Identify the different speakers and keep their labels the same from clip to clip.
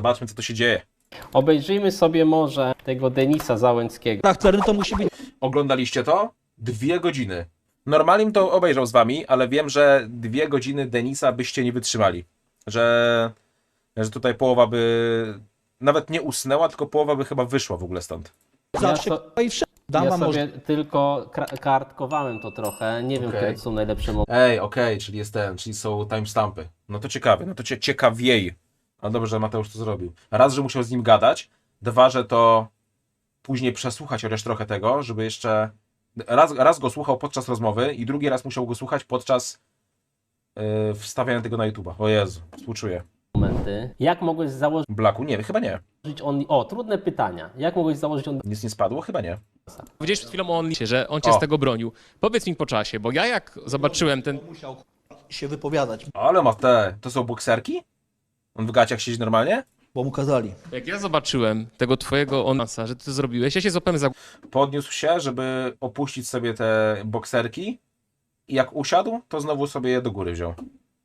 Speaker 1: Zobaczmy, co tu się dzieje.
Speaker 2: Obejrzyjmy sobie może tego Denisa Załęckiego.
Speaker 3: charakterny to musi być
Speaker 1: Oglądaliście to? 2 godziny. Normalnie bym to obejrzał z wami, ale wiem, że 2 godziny Denisa byście nie wytrzymali. Że tutaj połowa by nawet nie usnęła, tylko połowa by chyba wyszła w ogóle stąd.
Speaker 3: zawsze i wszędzie. Dam
Speaker 2: Ja
Speaker 3: wam
Speaker 2: sobie tylko kartkowałem to trochę. Nie wiem,
Speaker 1: Okej.
Speaker 2: które to są najlepsze momenty.
Speaker 1: Ej, okej, czyli jest czyli są timestampy. No to ciekawe, no to ciekawiej. No dobrze, że Mateusz to zrobił. Raz, że musiał z nim gadać, 2, że to później przesłuchać chociaż trochę tego, żeby jeszcze... Raz go słuchał podczas rozmowy i drugi raz musiał go słuchać podczas wstawiania tego na YouTube'a. O Jezu, współczuję.
Speaker 2: Jak mogłeś założyć
Speaker 1: Blaku? Nie, chyba nie.
Speaker 2: on... O, trudne pytania. Jak mogłeś założyć on...
Speaker 1: Nic nie spadło? Chyba nie.
Speaker 4: Powiedziałeś przed chwilą o OnlyFansie, że on cię
Speaker 1: O.
Speaker 4: z tego bronił. Powiedz mi po czasie, bo ja jak zobaczyłem ten...
Speaker 3: Musiał się wypowiadać,
Speaker 1: Ale ma to są bokserki? On w gaciach siedzi normalnie?
Speaker 3: bo mu kazali.
Speaker 4: Jak ja zobaczyłem tego twojego OnlyFansa, że ty to zrobiłeś, ja się złapałem za
Speaker 1: Podniósł się, żeby opuścić sobie te bokserki i jak usiadł, to znowu sobie je do góry wziął.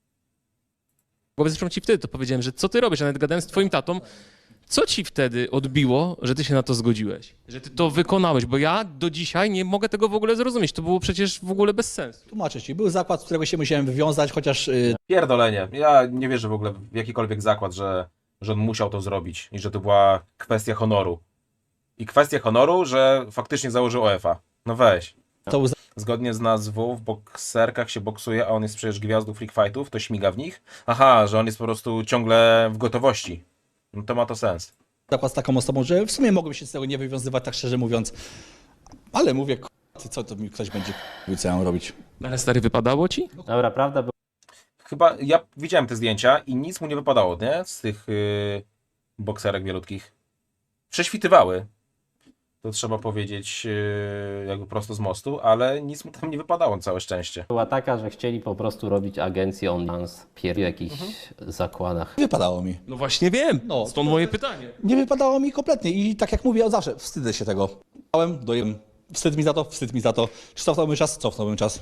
Speaker 4: głowę. Zresztą ci wtedy to powiedziałem, że co ty robisz, a nawet gadałem z twoim tatą. Co ci wtedy odbiło, że ty się na to zgodziłeś? Że ty to wykonałeś? Bo ja do dzisiaj nie mogę tego w ogóle zrozumieć. To było przecież w ogóle bez sensu.
Speaker 3: Tłumaczę ci, był zakład, z którego się musiałem wywiązać, chociaż
Speaker 1: Pierdolenie. Ja nie wierzę w ogóle w jakikolwiek zakład, że on musiał to zrobić i że to była kwestia honoru. I kwestia honoru, że faktycznie założył OF-a. No weź.
Speaker 3: to był
Speaker 1: Zgodnie z nazwą w bokserkach się boksuje, a on jest przecież gwiazdą freak fightów, to śmiga w nich. Aha, że on jest po prostu ciągle w gotowości. No to ma to sens.
Speaker 3: zakład z taką osobą, że w sumie mogłem się z tego nie wywiązywać, tak szczerze mówiąc. Ale mówię, co to mi ktoś będzie mówił, co ja mam robić.
Speaker 4: Ale stary, wypadało ci?
Speaker 2: Dobra, prawda?
Speaker 1: Chyba ja widziałem te zdjęcia i nic mu nie wypadało, nie? Z tych bokserek wielutkich. Prześwitywały. To trzeba powiedzieć jakby prosto z mostu, ale nic mu tam nie wypadało, całe szczęście.
Speaker 2: Była taka, że chcieli po prostu robić agencję OnlyFans w jakichś zakładach.
Speaker 3: Nie wypadało mi.
Speaker 4: No właśnie wiem.
Speaker 3: No.
Speaker 4: Stąd moje pytanie.
Speaker 3: Nie wypadało mi kompletnie i tak jak mówię od zawsze, wstydzę się tego. Dojem. Wstyd mi za to, wstyd mi za to. Czy cofnąłbym czas? Cofnąłbym czas.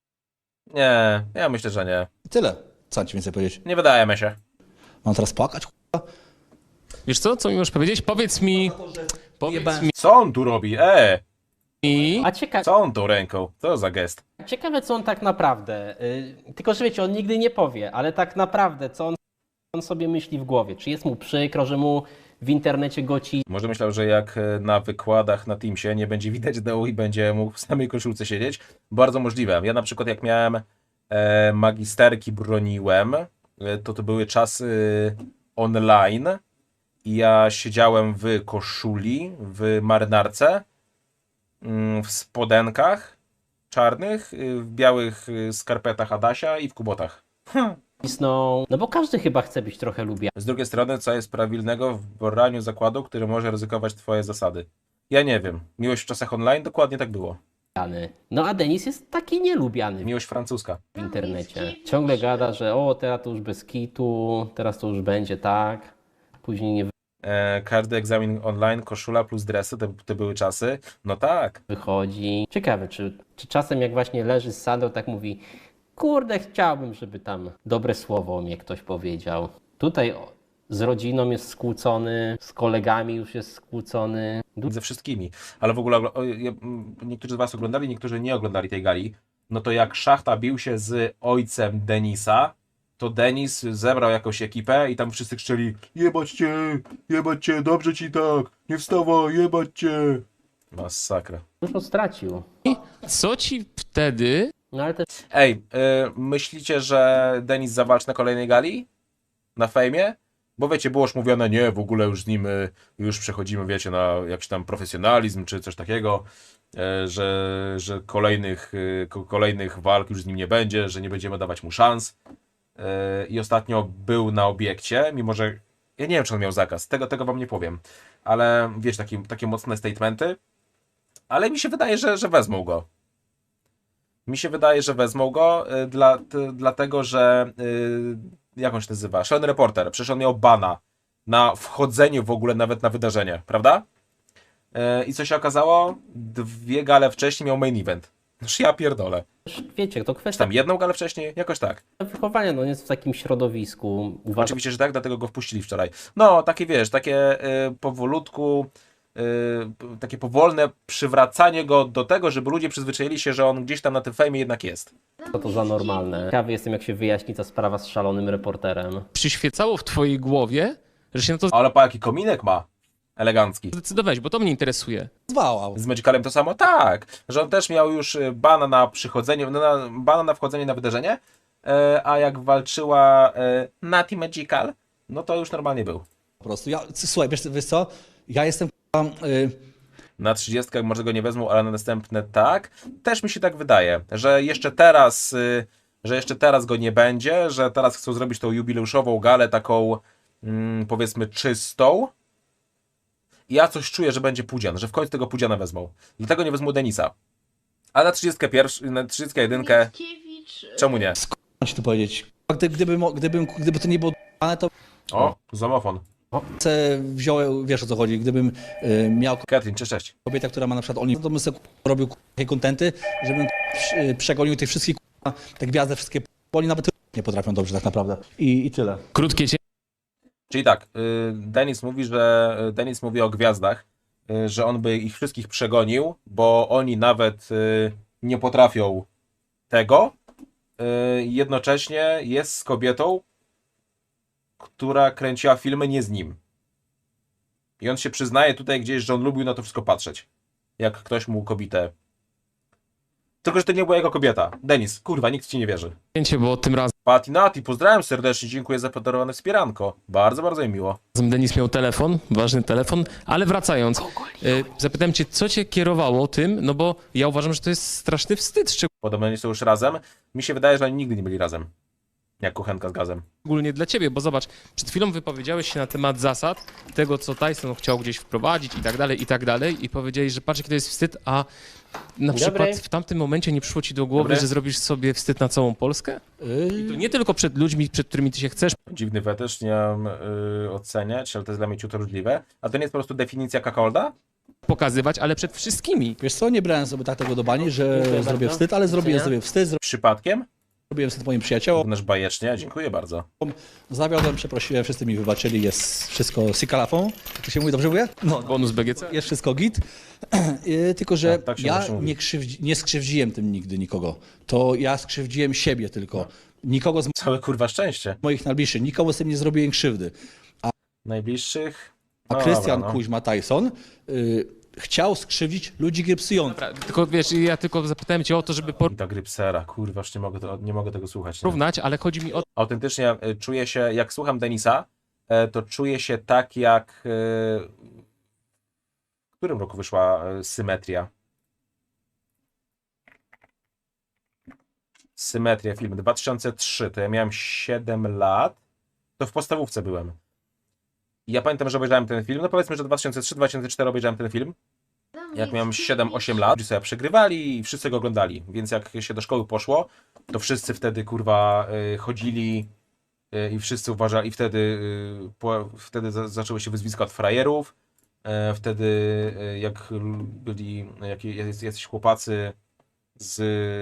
Speaker 1: Nie, ja myślę, że nie.
Speaker 3: I tyle. Co mam ci więcej powiedzieć?
Speaker 1: Nie wydaje mi się.
Speaker 3: Mam teraz płakać?
Speaker 4: Wiesz co mi możesz powiedzieć? Powiedz mi...
Speaker 1: Co on tu robi?
Speaker 2: A
Speaker 1: Co on tą ręką? Co za gest?
Speaker 2: ciekawe, co on tak naprawdę... tylko, że wiecie, on nigdy nie powie, ale tak naprawdę, co on sobie myśli w głowie. Czy jest mu przykro, że mu w internecie goci
Speaker 1: Może myślał, że jak na wykładach na Teamsie nie będzie widać dołu i będzie mógł w samej koszulce siedzieć. Bardzo możliwe. Ja na przykład jak miałem magisterki broniłem, to były czasy online i ja siedziałem w koszuli, w marynarce, w spodenkach czarnych, w białych skarpetach Adasia i w kubotach.
Speaker 2: cisną? No bo każdy chyba chce być trochę lubiany.
Speaker 1: Z drugiej strony, co jest prawilnego w braniu zakładu, który może ryzykować twoje zasady? Ja nie wiem. Miłość w czasach online? Dokładnie tak było.
Speaker 2: No a Denis jest taki nielubiany
Speaker 1: Miłość francuska.
Speaker 2: w internecie. Ciągle gada, że o, teraz to już bez kitu, teraz to już będzie tak, później nie
Speaker 1: Każdy egzamin online, koszula plus dresy, to były czasy. No tak.
Speaker 2: wychodzi. Ciekawe, czy czasem jak właśnie leży z Sandro, tak mówi, kurde, chciałbym, żeby tam dobre słowo o mnie ktoś powiedział. Tutaj z rodziną jest skłócony, z kolegami już jest skłócony.
Speaker 1: Ze wszystkimi. Ale w ogóle niektórzy z was oglądali, niektórzy nie oglądali tej gali. No to jak Szachta bił się z ojcem Denisa, to Denis zebrał jakąś ekipę i tam wszyscy krzyczeli: jebać cię, dobrze ci tak, nie wstawaj, jebać cię. Masakra.
Speaker 2: Dużo stracił.
Speaker 4: Co ci wtedy...
Speaker 2: No ale też
Speaker 1: Ej, myślicie, że Denis zawalczy na kolejnej gali? Na fejmie? Bo wiecie, było już mówione, nie, w ogóle już z nim już przechodzimy, wiecie, na jakiś tam profesjonalizm czy coś takiego, że kolejnych walk już z nim nie będzie, że nie będziemy dawać mu szans. I ostatnio był na obiekcie, mimo że ja nie wiem, czy on miał zakaz, tego wam nie powiem, ale wiecie, takie mocne statementy, ale mi się wydaje, że wezmą go. Mi się wydaje, że wezmą go, dlatego że jak on się nazywa? Sean Reporter, przecież on miał bana na wchodzenie w ogóle nawet na wydarzenie, prawda? I co się okazało? 2 gale wcześniej miał main event. Noż ja pierdolę.
Speaker 2: Wiecie, to
Speaker 1: Czy
Speaker 2: kwestia
Speaker 1: tam jedną galę wcześniej? Jakoś tak.
Speaker 2: wychowania, no jest w takim środowisku. Uważam,
Speaker 1: Oczywiście, że tak, dlatego go wpuścili wczoraj. No, takie wiesz, takie powolutku, takie powolne przywracanie go do tego, żeby ludzie przyzwyczaili się, że on gdzieś tam na tym fejmie jednak jest.
Speaker 2: co to za normalne. Ciekawy jestem, jak się wyjaśni ta sprawa z szalonym reporterem.
Speaker 4: Przyświecało w twojej głowie, że się na to
Speaker 1: Ale po jaki kominek ma? Elegancki.
Speaker 4: zdecydowałeś, bo to mnie interesuje.
Speaker 3: Zwał.
Speaker 1: Z Magicalem to samo? Tak, że on też miał już bana na przychodzenie, bana na wchodzenie na wydarzenie, a jak walczyła Nati Magical, no to już normalnie był.
Speaker 3: Po prostu. Słuchaj, wiesz co? Ja jestem
Speaker 1: Na 30 może go nie wezmą, ale na następne tak. Też mi się tak wydaje, że jeszcze teraz go nie będzie, że teraz chcą zrobić tą jubileuszową galę taką powiedzmy czystą. I ja coś czuję, że będzie Pudzian, że w końcu tego Pudziana wezmą. Dlatego nie wezmą Denisa. A na 31, na 31,
Speaker 5: Mickiewicz,
Speaker 1: czemu nie?
Speaker 3: ci tu powiedzieć. Gdyby to nie było d***ane, to
Speaker 1: O, zamofon.
Speaker 3: wziąłem, wiesz o co chodzi, gdybym miał
Speaker 1: Katrin, cześć.
Speaker 3: kobietę, która ma na przykład OnlyFans, to bym sobie robił takie kontenty, żebym przegonił tych wszystkich te gwiazdy wszystkie, bo oni nawet nie potrafią dobrze tak naprawdę. I tyle.
Speaker 4: Krótkie
Speaker 1: Czyli tak, Denis mówi o gwiazdach, że on by ich wszystkich przegonił, bo oni nawet nie potrafią tego. Jednocześnie jest z kobietą, która kręciła filmy nie z nim. I on się przyznaje tutaj gdzieś, że on lubił na to wszystko patrzeć. Jak ktoś mu kobietę. Tylko, że to nie była jego kobieta. Denis, kurwa, nikt ci nie wierzy.
Speaker 4: cięcie, bo tym
Speaker 1: Pati Nati, pozdrawiam serdecznie, dziękuję za podarowane wspieranko. Bardzo, bardzo mi miło.
Speaker 4: razem Denis miał telefon, ważny telefon, ale wracając, zapytałem cię, co cię kierowało tym, no bo ja uważam, że to jest straszny wstyd,
Speaker 1: Podobno nie są już razem. Mi się wydaje, że oni nigdy nie byli razem. Jak kuchenka z gazem.
Speaker 4: szczególnie dla ciebie, bo zobacz, przed chwilą wypowiedziałeś się na temat zasad, tego co Tyson chciał gdzieś wprowadzić i tak dalej i powiedziałeś, że patrz jaki to jest wstyd, a na przykład w tamtym momencie nie przyszło ci do głowy,
Speaker 1: Dobry.
Speaker 4: że zrobisz sobie wstyd na całą Polskę? I to nie tylko przed ludźmi, przed którymi ty się chcesz
Speaker 1: Dziwny fetysz, nie mam oceniać, ale to jest dla mnie ciut różliwe. A to nie jest po prostu definicja kakolda?
Speaker 4: pokazywać, ale przed wszystkimi.
Speaker 3: Wiesz co, nie brałem sobie tak tego do bani, że
Speaker 2: Dziękuję
Speaker 3: zrobię
Speaker 2: bardzo.
Speaker 3: wstyd, ale zrobiłem
Speaker 2: Widzenia.
Speaker 3: sobie wstyd,
Speaker 1: Przypadkiem?
Speaker 3: zrobiłem wstyd moim przyjaciołom,
Speaker 1: Równaż bajecznie, dziękuję bardzo.
Speaker 3: zawiodłem, przeprosiłem, wszyscy mi wybaczyli, jest wszystko sikalafą. To się mówi, dobrze mówię? No,
Speaker 4: Bonus BGC.
Speaker 3: jest wszystko git. Tylko, że
Speaker 1: Tak się
Speaker 3: ja
Speaker 1: zawsze mówi.
Speaker 3: nie skrzywdziłem tym nigdy nikogo. To ja skrzywdziłem siebie tylko. Nikogo z
Speaker 1: Całe kurwa szczęście.
Speaker 3: moich najbliższych, nikomu z tym nie zrobiłem krzywdy.
Speaker 1: Najbliższych?
Speaker 3: A
Speaker 1: No
Speaker 3: Krystian
Speaker 1: dobra, no.
Speaker 3: Kuźma Tyson chciał skrzywdzić ludzi grypsujących.
Speaker 4: Tylko wiesz, ja tylko zapytałem cię o to, żeby
Speaker 1: I ta grypsera, kurwa, już nie mogę tego słuchać. Nie?
Speaker 4: porównać, ale chodzi mi o
Speaker 1: Autentycznie czuję się, jak słucham Denisa, to czuję się tak jak... W którym roku wyszła Symetria? Symetria, film 2003, to ja miałem 7 lat, to w podstawówce byłem. I ja pamiętam, że obejrzałem ten film, no powiedzmy, że 2003-2004 obejrzałem ten film, jak miałem 7-8 lat, ludzie sobie przegrywali i wszyscy go oglądali, więc jak się do szkoły poszło, to wszyscy wtedy kurwa chodzili i wszyscy uważali, i wtedy zaczęły się wyzwiska od frajerów, wtedy jak byli jacyś chłopacy z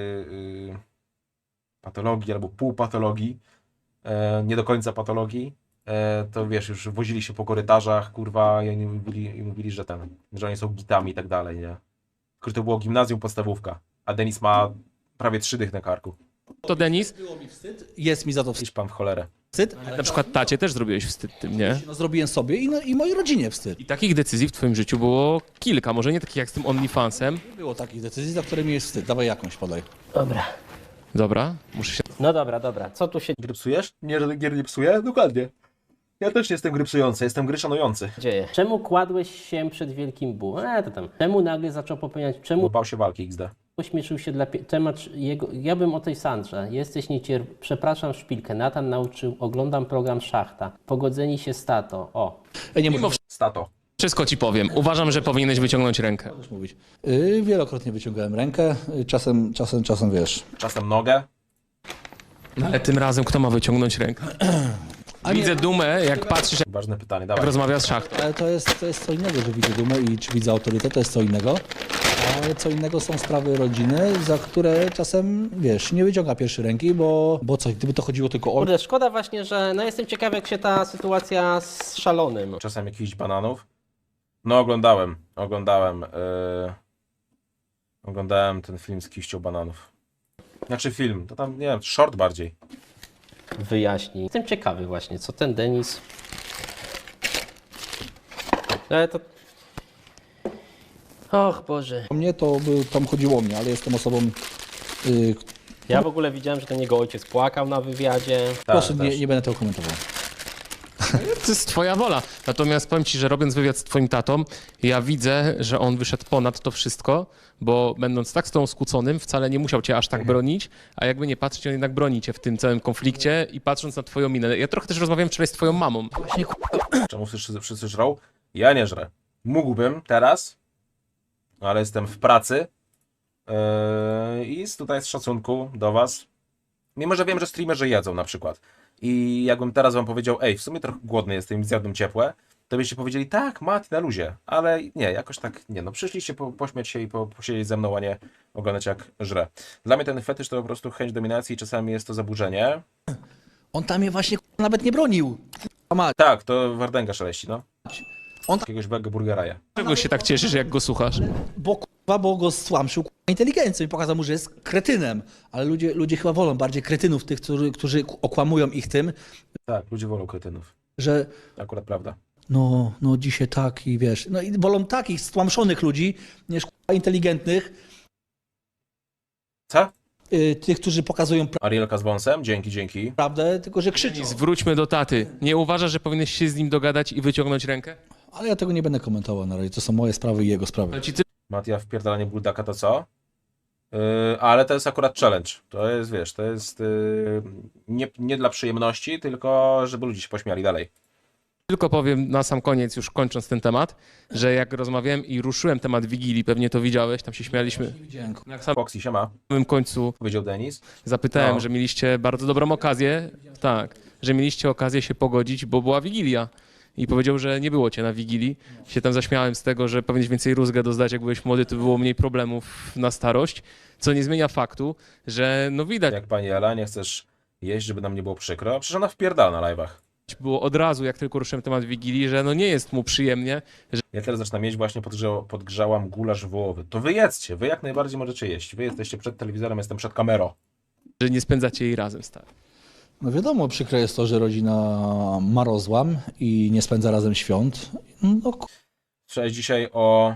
Speaker 1: patologii albo półpatologii, nie do końca patologii, to wiesz, już wozili się po korytarzach, kurwa, i oni mówili, że oni są gitami i tak dalej, nie? Tylko, że to było gimnazjum, podstawówka, a Denis ma prawie 3 dych na karku.
Speaker 4: to, Denis.
Speaker 3: Jest mi za to
Speaker 1: Idź pan w cholerę.
Speaker 3: wstyd,
Speaker 4: Na przykład tacie też zrobiłeś wstyd tym, nie?
Speaker 3: no, zrobiłem sobie i mojej rodzinie wstyd.
Speaker 4: I takich decyzji w twoim życiu było kilka, może nie takich jak z tym OnlyFansem.
Speaker 3: Nie było takich decyzji, za które mi jest wstyd. Dawaj jakąś, podaj.
Speaker 2: Dobra.
Speaker 4: Dobra, muszę się
Speaker 2: No dobra. Co tu się
Speaker 1: Grypsujesz? Nie, że gier nie psuję? Dokładnie. Ja też nie jestem gry psujący, jestem gry szanujący.
Speaker 2: dzieje? Czemu kładłeś się przed wielkim bółem? To tam. Czemu nagle zaczął popełniać?
Speaker 1: Bo
Speaker 2: Czemu
Speaker 1: bał się walki XD.
Speaker 2: ośmieszył się dla temat jego? Ja bym o tej Sandrze. Jesteś przepraszam, szpilkę. Natan nauczył, oglądam program Szachta. Pogodzeni się z tato. O.
Speaker 3: Nie
Speaker 4: Mimo
Speaker 1: Stato.
Speaker 4: wszystko ci powiem. Uważam, że powinieneś wyciągnąć rękę.
Speaker 3: możesz mówić. Wielokrotnie wyciągałem rękę, czasem wiesz.
Speaker 1: Czasem nogę.
Speaker 4: No, ale tym razem kto ma wyciągnąć rękę?
Speaker 3: A nie-
Speaker 4: Widzę dumę, jak patrzysz, jak
Speaker 1: Ważne pytanie, dawaj.
Speaker 4: rozmawia z szachtą.
Speaker 3: Ale to jest co innego, że widzę dumę i czy widzę autorytet, to jest co innego. Ale co innego są sprawy rodziny, za które czasem, wiesz, nie wyciąga pierwszej ręki, bo co, gdyby to chodziło tylko o...
Speaker 2: Kurde, szkoda właśnie, że no jestem ciekawy, jak się ta sytuacja z Szalonym.
Speaker 1: Czasem jakichś bananów. No oglądałem ten film z kiścią bananów. Znaczy film, to tam, nie wiem, short bardziej.
Speaker 2: Wyjaśni. Jestem ciekawy właśnie, co ten Denis... Ale to... Och Boże.
Speaker 3: O mnie to by tam chodziło o mnie, ale jestem osobą...
Speaker 2: Ja w ogóle widziałem, że ten jego ojciec płakał na wywiadzie.
Speaker 3: proszę,
Speaker 1: też.
Speaker 3: nie będę tego komentował.
Speaker 4: To jest twoja wola. Natomiast powiem ci, że robiąc wywiad z twoim tatą, ja widzę, że on wyszedł ponad to wszystko, bo będąc tak z tą skłóconym, wcale nie musiał cię aż tak bronić, a jakby nie patrzeć, on jednak broni cię w tym całym konflikcie i patrząc na twoją minę. Ja trochę też rozmawiałem wczoraj z twoją mamą.
Speaker 3: Właśnie
Speaker 1: Czemu wszyscy żrą? Ja nie żrę. Mógłbym teraz, ale jestem w pracy i tutaj z szacunku do was. Mimo, że wiem, że streamerzy jedzą na przykład. I jakbym teraz wam powiedział, ej, w sumie trochę głodny jestem i zjadłem ciepłe, to byście powiedzieli, tak, Mati, na luzie. Ale nie, jakoś tak nie. No przyszliście pośmiać się i posiedzieć ze mną, a nie oglądać jak żrę. Dla mnie ten fetysz to po prostu chęć dominacji i czasami jest to zaburzenie.
Speaker 3: on tam mnie właśnie nawet nie bronił.
Speaker 1: Tak, to Wardęga szeleści, no.
Speaker 3: On-
Speaker 1: Jakiegoś burgera je.
Speaker 4: Czego się tak cieszysz, jak go słuchasz?
Speaker 3: Bo go stłamszył inteligencją i pokazał mu, że jest kretynem. Ale ludzie chyba wolą bardziej kretynów, tych, którzy okłamują ich tym,
Speaker 1: Tak, ludzie wolą kretynów.
Speaker 3: że
Speaker 1: Akurat prawda.
Speaker 3: no dzisiaj tak i wiesz, no i wolą takich stłamszonych ludzi niż inteligentnych,
Speaker 1: Co?
Speaker 3: tych, którzy pokazują
Speaker 1: Arielka z wąsem? Dzięki.
Speaker 3: prawdę, tylko że krzyczą.
Speaker 4: Zwróćmy do taty. Nie uważasz, że powinieneś się z nim dogadać i wyciągnąć rękę?
Speaker 3: Ale ja tego nie będę komentował na razie, to są moje sprawy i jego sprawy.
Speaker 4: Ale ci ty
Speaker 1: Matia wpierdalanie buldaka to co? Ale to jest akurat challenge. To jest, wiesz, to jest nie dla przyjemności, tylko żeby ludzie się pośmiali dalej.
Speaker 4: tylko powiem na sam koniec, już kończąc ten temat, że jak rozmawiałem i ruszyłem temat Wigilii, pewnie to widziałeś, tam się śmialiśmy.
Speaker 3: Widziałem.
Speaker 4: Na
Speaker 1: Foxy, siema.
Speaker 4: samym końcu
Speaker 1: Powiedział Denis.
Speaker 4: zapytałem,
Speaker 1: No.
Speaker 4: że mieliście bardzo dobrą okazję, tak, że mieliście okazję się pogodzić, bo była Wigilia. I powiedział, że nie było cię na Wigilii. Się tam zaśmiałem z tego, że powinieneś więcej rózgę dozdać, jak byłeś młody, to było mniej problemów na starość, co nie zmienia faktu, że no widać
Speaker 1: Jak pani Ela, nie chcesz jeść, żeby nam nie było przykro? Przecież ona wpierdala na live'ach.
Speaker 4: było od razu, jak tylko ruszyłem temat Wigilii, że no nie jest mu przyjemnie,
Speaker 1: Ja teraz zaczynam jeść, właśnie podgrzałam gulasz wołowy. To wy jedzcie, wy jak najbardziej możecie jeść. Wy jesteście przed telewizorem, jestem przed kamerą.
Speaker 4: że nie spędzacie jej razem, stary.
Speaker 3: No wiadomo, przykre jest to, że rodzina ma rozłam i nie spędza razem świąt. No,
Speaker 1: Słyszałeś dzisiaj o...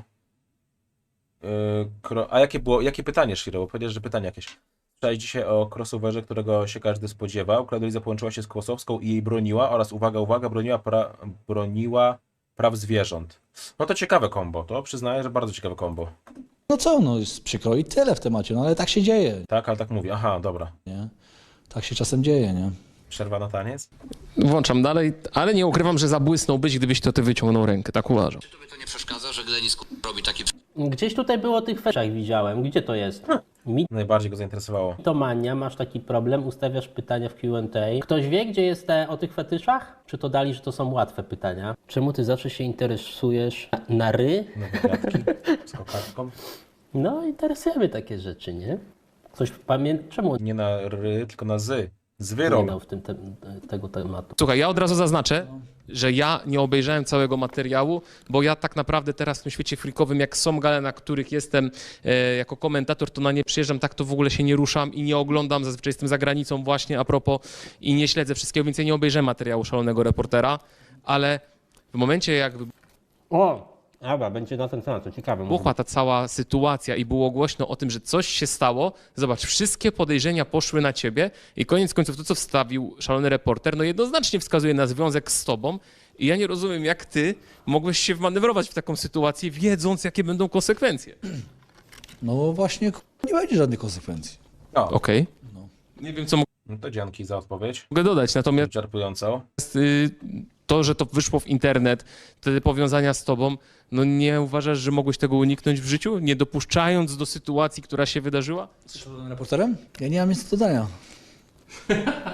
Speaker 1: A jakie pytanie, Shiro? Bo powiedziałeś, że pytanie jakieś. Słyszałeś dzisiaj o crossoverze, którego się każdy spodziewał. Klaudia połączyła się z Kłosowską i jej broniła oraz, uwaga, broniła praw zwierząt. No to ciekawe kombo, to przyznaję, że bardzo ciekawe kombo.
Speaker 3: no co, no jest przykro i tyle w temacie, no ale tak się dzieje,
Speaker 1: Tak, ale tak mówi. Aha, dobra.
Speaker 3: nie? Tak się czasem dzieje, nie?
Speaker 1: Przerwa na taniec?
Speaker 4: Włączam dalej, ale nie ukrywam, że zabłysnąłbyś, gdybyś to ty wyciągnął rękę, tak uważam.
Speaker 5: Czy tobie to nie przeszkadza, że Glenis robi taki
Speaker 2: Gdzieś tutaj było o tych feszach widziałem. Gdzie to jest?
Speaker 1: Najbardziej go zainteresowało.
Speaker 2: Mitomania, masz taki problem, ustawiasz pytania w Q&A. Ktoś wie, gdzie jest o tych fetyszach? Czy to dali, że to są łatwe pytania? Czemu ty zawsze się interesujesz na ry?
Speaker 1: Nowe kwiatki z kokardką.
Speaker 2: No, interesuje mnie takie rzeczy, nie? Coś pamięta? Czemu
Speaker 1: Nie na ry, tylko na zy. Z
Speaker 2: nie
Speaker 1: wyrol.
Speaker 2: dał w tym tego tematu?
Speaker 4: Słuchaj, ja od razu zaznaczę, że ja nie obejrzałem całego materiału, bo ja tak naprawdę teraz w tym świecie freakowym, jak są gale, na których jestem jako komentator, to na nie przyjeżdżam, tak to w ogóle się nie ruszam i nie oglądam, zazwyczaj jestem za granicą właśnie a propos i nie śledzę wszystkiego, więc ja nie obejrzałem materiału Szalonego Reportera, ale w momencie jak
Speaker 2: O! Dobra, będzie na ten temat, to ciekawe.
Speaker 4: wybuchła ta cała sytuacja i było głośno o tym, że coś się stało, zobacz, wszystkie podejrzenia poszły na ciebie i koniec końców to, co wstawił Szalony Reporter, no jednoznacznie wskazuje na związek z tobą i ja nie rozumiem, jak ty mogłeś się wmanewrować w taką sytuację, wiedząc, jakie będą konsekwencje.
Speaker 3: No właśnie, nie będzie żadnych konsekwencji.
Speaker 1: No,
Speaker 4: Okej. Nie wiem, co
Speaker 1: no to dzięki za odpowiedź.
Speaker 4: mogę dodać, natomiast
Speaker 1: Wyczerpującą.
Speaker 4: to, że to wyszło w internet, te powiązania z tobą, no nie uważasz, że mogłeś tego uniknąć w życiu, nie dopuszczając do sytuacji, która się wydarzyła?
Speaker 3: Z szalonym reporterem? Ja nie mam nic do dodania.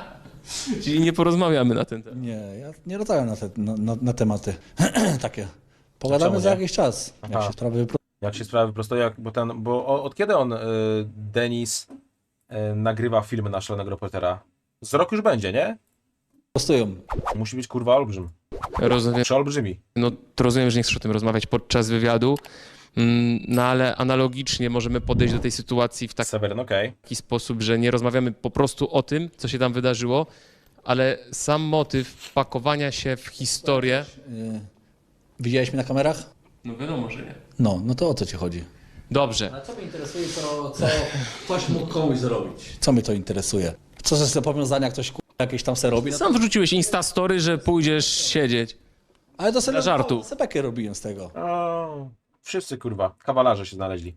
Speaker 4: Czyli nie porozmawiamy na ten temat.
Speaker 3: Nie, ja nie rozmawiam na tematy takie. Pogadamy
Speaker 1: Czemu
Speaker 3: za
Speaker 1: nie?
Speaker 3: jakiś czas, jak
Speaker 1: Aha.
Speaker 3: się sprawy
Speaker 1: Jak się sprawy prosto, od kiedy on, Denis, nagrywa filmy na Szalonego Reportera? Z rok już będzie, nie?
Speaker 3: prostują.
Speaker 1: Musi być kurwa olbrzym.
Speaker 4: Rozumiem,
Speaker 1: Przeolbrzymi.
Speaker 4: no to rozumiem, że nie chcesz o tym rozmawiać podczas wywiadu, no ale analogicznie możemy podejść do tej sytuacji w
Speaker 1: Seweryn, okej.
Speaker 4: taki sposób, że nie rozmawiamy po prostu o tym, co się tam wydarzyło, ale sam motyw pakowania się w historię...
Speaker 3: Widziałeś mnie na kamerach?
Speaker 4: No wiadomo, że nie.
Speaker 3: No to o co ci chodzi?
Speaker 4: Dobrze.
Speaker 3: A co mnie interesuje, co ktoś mógł komuś zrobić? Co mnie to interesuje? Co ze te powiązania ktoś jakieś tam se robi? No to,
Speaker 4: Sam wrzuciłeś Instastory, że pójdziesz siedzieć.
Speaker 3: ale to sobie
Speaker 4: dla żartu.
Speaker 3: sebekę robiłem z tego.
Speaker 1: O, wszyscy kurwa, kawalarze się znaleźli.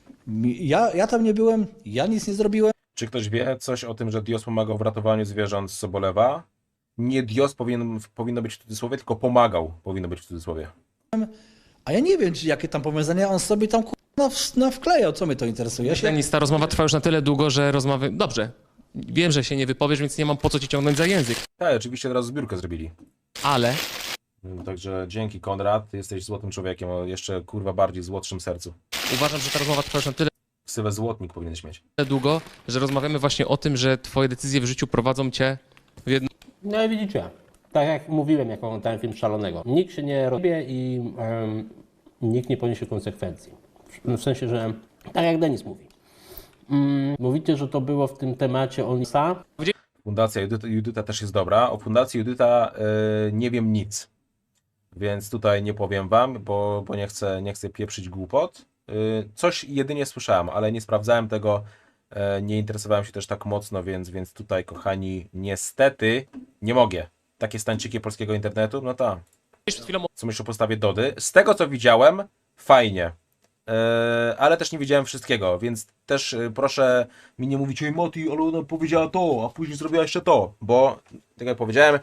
Speaker 3: Ja tam nie byłem, ja nic nie zrobiłem.
Speaker 1: Czy ktoś wie coś o tym, że Dios pomagał w ratowaniu zwierząt z Sobolewa? Nie Dios powinno być w cudzysłowie, tylko pomagał powinno być w cudzysłowie.
Speaker 3: A ja nie wiem, jakie tam powiązania on sobie tam wklejał. Co mnie to interesuje? Ja się...
Speaker 4: Denis, ta rozmowa trwa już na tyle długo, że rozmowy... Dobrze. Wiem, że się nie wypowiesz, więc nie mam po co ci ciągnąć za język.
Speaker 1: Tak, oczywiście teraz zbiórkę zrobili.
Speaker 4: Ale
Speaker 1: Także dzięki Konrad, ty jesteś złotym człowiekiem o jeszcze kurwa bardziej złotszym sercu.
Speaker 4: uważam, że ta rozmowa trwa już na tyle
Speaker 1: Ksywę złotnik powinieneś mieć.
Speaker 4: długo, że rozmawiamy właśnie o tym, że twoje decyzje w życiu prowadzą cię w jedną
Speaker 2: No i widzicie, tak jak mówiłem, jak oglądałem film Szalonego. Nikt się nie rozbije i nikt nie poniesie konsekwencji. W sensie, że tak jak Denis mówi. Mówicie, że to było w tym temacie Onisa.
Speaker 1: Fundacja Judyta też jest dobra. O Fundacji Judyta nie wiem nic. Więc tutaj nie powiem wam, bo nie chcę pieprzyć głupot. Coś jedynie słyszałem, ale nie sprawdzałem tego. Nie interesowałem się też tak mocno, więc tutaj, kochani, niestety nie mogę. Takie stańczyki polskiego internetu, no tak.
Speaker 4: przed chwilą
Speaker 1: Co myślisz o postawie Dody? Z tego, co widziałem, fajnie. Ale też nie widziałem wszystkiego, więc też proszę mi nie mówić, oj Moti, ale ona powiedziała to, a później zrobiła jeszcze to, bo, tak jak powiedziałem,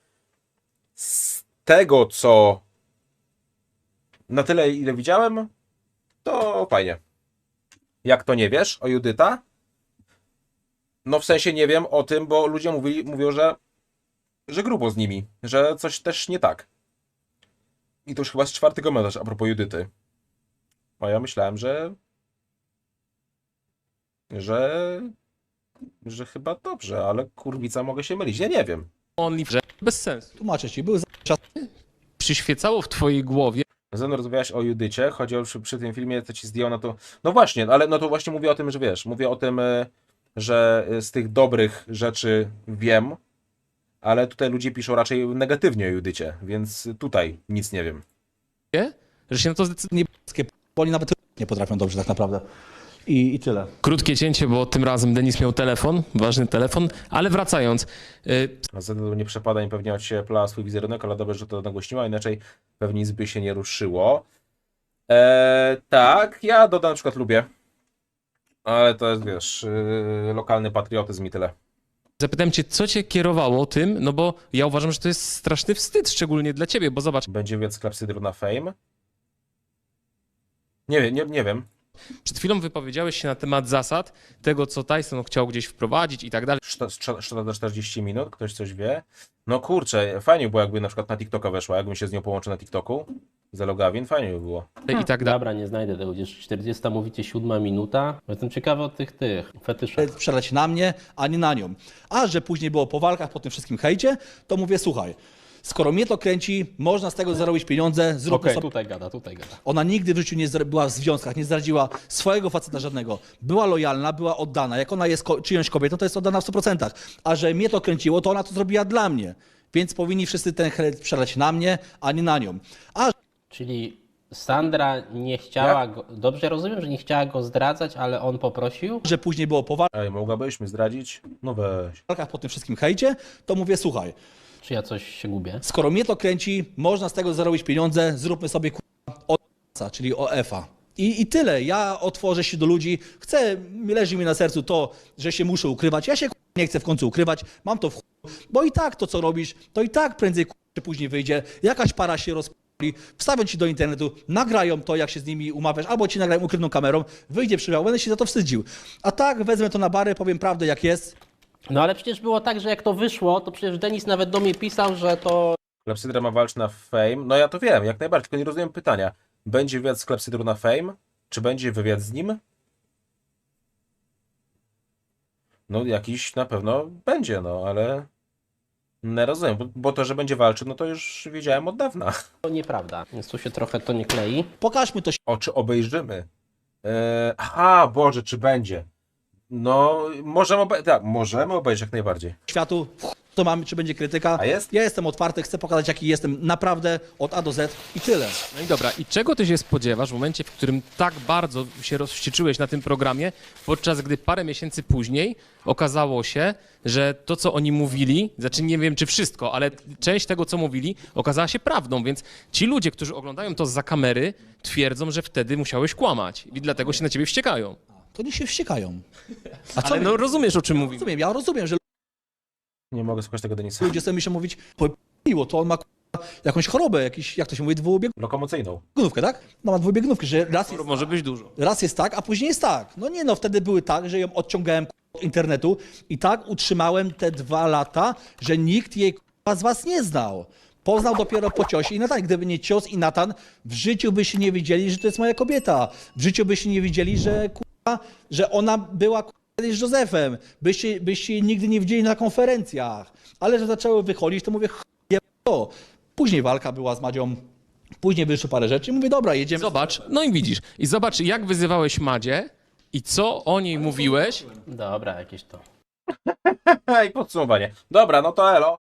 Speaker 1: z tego, co na tyle, ile widziałem, to fajnie. Jak to nie wiesz o Judyta? No w sensie nie wiem o tym, bo ludzie mówią, że grubo z nimi, że coś też nie tak. I to już chyba z 4 komentarz a propos Judyty. A ja myślałem, że chyba dobrze, ale kurwica mogę się mylić. Ja nie wiem.
Speaker 4: only, że bez sensu.
Speaker 3: Tłumaczę ci, był czas.
Speaker 4: Przyświecało w twojej głowie,
Speaker 1: Ze mną rozmawiałeś o Judycie, chodzi o przy tym filmie, co ci zdjął na to. No właśnie, ale no to właśnie mówię o tym, że wiesz, mówię o tym, że z tych dobrych rzeczy wiem, ale tutaj ludzie piszą raczej negatywnie o Judycie, więc tutaj nic nie wiem.
Speaker 4: że się na to zdecydowałeś.
Speaker 3: Bo oni nawet nie potrafią dobrze tak naprawdę. I tyle.
Speaker 4: Krótkie cięcie, bo tym razem Denis miał telefon, ważny telefon, ale wracając.
Speaker 1: A ZD nie przepada i pewnie ociepla swój wizerunek, ale dobrze, że to nagłośniła, inaczej pewnie nic by się nie ruszyło. Tak, ja Doda na przykład lubię, ale to jest, wiesz, lokalny patriotyzm i tyle.
Speaker 4: Zapytałem cię, co cię kierowało tym, no bo ja uważam, że to jest straszny wstyd, szczególnie dla ciebie, bo zobacz,
Speaker 1: Będzie wiec klepsydru na Fame? Nie wiem, nie wiem.
Speaker 4: przed chwilą wypowiedziałeś się na temat zasad, tego, co Tyson chciał gdzieś wprowadzić i tak dalej.
Speaker 1: Szkoda na 40 minut, ktoś coś wie. No kurczę, fajnie było jakby na przykład na TikToka weszła, jakbym się z nią połączył na TikToku. Za logawin, fajnie by było.
Speaker 4: I tak dalej.
Speaker 2: Dobra, nie znajdę tego, gdzieś 40 mówicie 7 minuta. Jestem ciekawy o tych fetyszach.
Speaker 3: Przeleć na mnie, a nie na nią. A że później było po walkach, po tym wszystkim hejcie, to mówię, słuchaj, skoro mnie to kręci, można z tego zarobić pieniądze, zróbmy
Speaker 2: Okej,
Speaker 3: sobie.
Speaker 2: tutaj gada.
Speaker 3: Ona nigdy w życiu nie była w związkach, nie zdradziła swojego faceta żadnego. Była lojalna, była oddana. Jak ona jest czyjąś kobietą, to jest oddana w 100%. A że mnie to kręciło, to ona to zrobiła dla mnie. Więc powinni wszyscy ten hejt przeleć na mnie, a nie na nią. A
Speaker 2: Czyli Sandra nie chciała go, dobrze rozumiem, że nie chciała go zdradzać, ale on poprosił?
Speaker 3: że później było po
Speaker 1: Ej, mogłabyś mi zdradzić? No weź.
Speaker 3: walkach, po tym wszystkim hejcie, to mówię, słuchaj,
Speaker 2: Czy ja coś się gubię?
Speaker 3: skoro mnie to kręci, można z tego zarobić pieniądze, zróbmy sobie o, czyli OF-a. I tyle. Ja otworzę się do ludzi. Leży mi na sercu to, że się muszę ukrywać. Ja się nie chcę w końcu ukrywać. Mam to w bo i tak to, co robisz, to i tak prędzej czy później wyjdzie. Jakaś para się rozpali, wstawią ci do internetu, nagrają to, jak się z nimi umawiasz, albo ci nagrają ukrytą kamerą, wyjdzie przywiał, będę się za to wstydził. A tak wezmę to na barę, powiem prawdę, jak jest.
Speaker 2: No ale przecież było tak, że jak to wyszło, to przecież Denis nawet do mnie pisał, że to
Speaker 1: Klepsydra ma walczyć na Fame. No ja to wiem, jak najbardziej, tylko nie rozumiem pytania. Będzie wywiad z Klepsydrą na Fame? Czy będzie wywiad z nim? No jakiś na pewno będzie, no ale nie rozumiem, bo to, że będzie walczył, no to już wiedziałem od dawna.
Speaker 2: nieprawda. Więc tu się trochę to nie klei.
Speaker 3: Pokażmy to
Speaker 1: O, czy obejrzymy? Aha, Boże, czy będzie? No, możemy obejrzeć jak najbardziej.
Speaker 3: światu, to mamy, czy będzie krytyka.
Speaker 1: A jest?
Speaker 3: Ja jestem otwarty, chcę pokazać, jaki jestem naprawdę od A do Z i tyle.
Speaker 4: No i dobra, i czego ty się spodziewasz w momencie, w którym tak bardzo się rozwścieczyłeś na tym programie, podczas gdy parę miesięcy później okazało się, że to, co oni mówili, znaczy nie wiem, czy wszystko, ale część tego, co mówili, okazała się prawdą, więc ci ludzie, którzy oglądają to zza kamery, twierdzą, że wtedy musiałeś kłamać i dlatego się na ciebie wściekają.
Speaker 3: To nie się wściekają. A co
Speaker 4: Ale no rozumiesz, o czym mówimy.
Speaker 3: rozumiem? Ja rozumiem, że
Speaker 1: Nie mogę słuchać tego Denisa.
Speaker 3: ludzie sobie myślą mówić, miło, to on ma jakąś chorobę, jakiś, jak to się mówi, dwubiegunówkę,
Speaker 1: Lokomocyjną.
Speaker 3: tak? No ma dwubiegunówkę, że
Speaker 4: Może być dużo.
Speaker 3: raz jest tak, a później jest tak. No nie no, wtedy były tak, że ją odciągałem od internetu i tak utrzymałem te 2 lata, że nikt jej z was nie znał. Poznał dopiero po ciosie i Natan. Gdyby nie cios i Natan, w życiu byście nie wiedzieli, że to jest moja kobieta. W życiu byście nie wiedzieli, że ona była kiedyś z Józefem. Byście jej nigdy nie widzieli na konferencjach. Ale że zaczęły wychodzić, to mówię, to. Później walka była z Madzią, później wyszło parę rzeczy i mówię, dobra, jedziemy.
Speaker 4: Zobacz, no i widzisz. I zobacz, jak wyzywałeś Madzie i co o niej mówiłeś.
Speaker 2: Dobra, jakieś to.
Speaker 1: I podsumowanie. Dobra, no to elo.